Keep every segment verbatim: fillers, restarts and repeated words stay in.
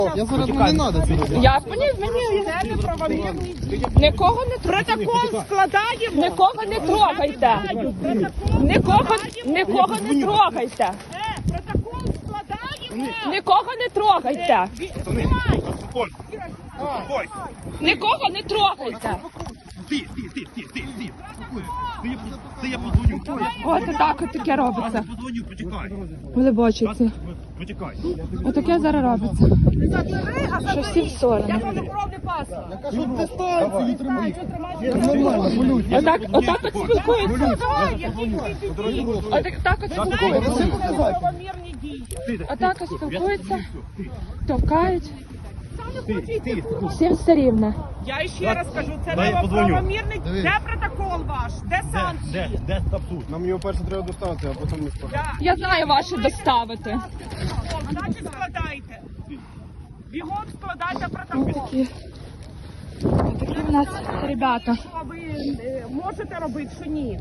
Я зараз не треба це робити. Я мені, мені це неправомірні дії. Нікого не трогайте. Протокол складаємо. Нікого не трогайте. Нікого, нікого не трогайте. Е, протокол складаємо. Нікого не трогайте. Успокойся. Успокойся. Нікого не трогайте. Ти, ти, ти, ти, ти, ти. Ти я, ти я подзвоню. От так от таке робиться. Подзвоню, почекай. Глибочиться. Почекай. Отаке зараз робиться. Що всі в сторони. Я кажу, дистанцію тримай. Нормально, полюй. Отак, отак от спілкуються. Отак так от спілкуються. Неправомірні дії. Отак от спілкуються, товкають. Ти, ти. Всім все рівно. Я ще раз кажу, це Дай я подзвоню. неправомірний. Де протокол ваш? Де Де, санкції? де, де статут? Нам його перше треба доставити, а потім не складати. Да. Я знаю ваші доставити. Значить, складайте. Бігом складайте протокол. Такі, такі в нас ребята. Що ви е, можете робити, що ні?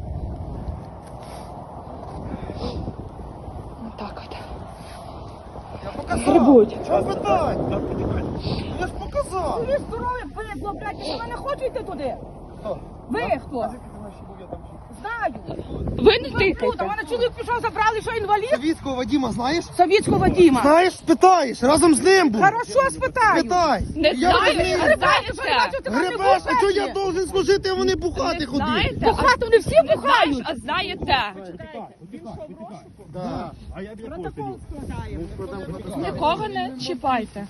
Отак от. Я показав. Грибуть. Чого питань? Я ж показав. Ви здорові, бидло, блядь, що ви не хочете туди? Хто? Ви хто? Знаю. Ви не Тут, тикайте. у мене чоловік пішов, забрали, що інвалід? Совітського Вадима знаєш? Совітського Вадима. Знаєш, спитаєш, разом з ним був. Хорошо, спитаю. Питай. Не Я знаю, розумію. не знаєте. Гребеш, а чого я должен служити, а вони бухати ходити? Знаєте, Бухати вони всі бухають. а знаєте, Да. А я біля Протокол складаємо. нікого не чіпайте.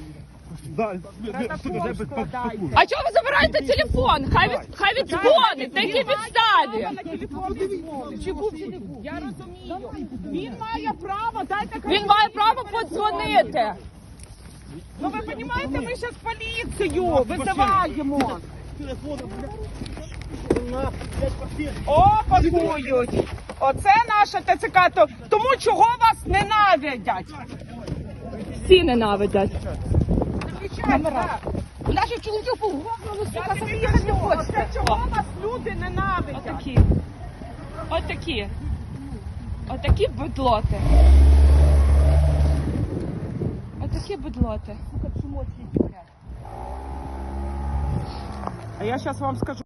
Складаємо. А чого ви забираєте телефон? Хай від, хай віддзвонить, на якій підставі? На телефон відзвонить. Чи був, чи не був. Я розумію. Він має право, дайте Він має право подзвонити. Ну ви розумієте, ми зараз поліцію визиваємо. О, пакують. Оце наша ТЦК. То- Тому чого вас ненавидять? Всі ненавидять. Камера. Наші чоловіки по голову, сука, собі їхати не хочете. Чого вас люди ненавидять? Отакі. Отакі. Отакі бедлоти. Отакі бедлоти. А я зараз вам скажу.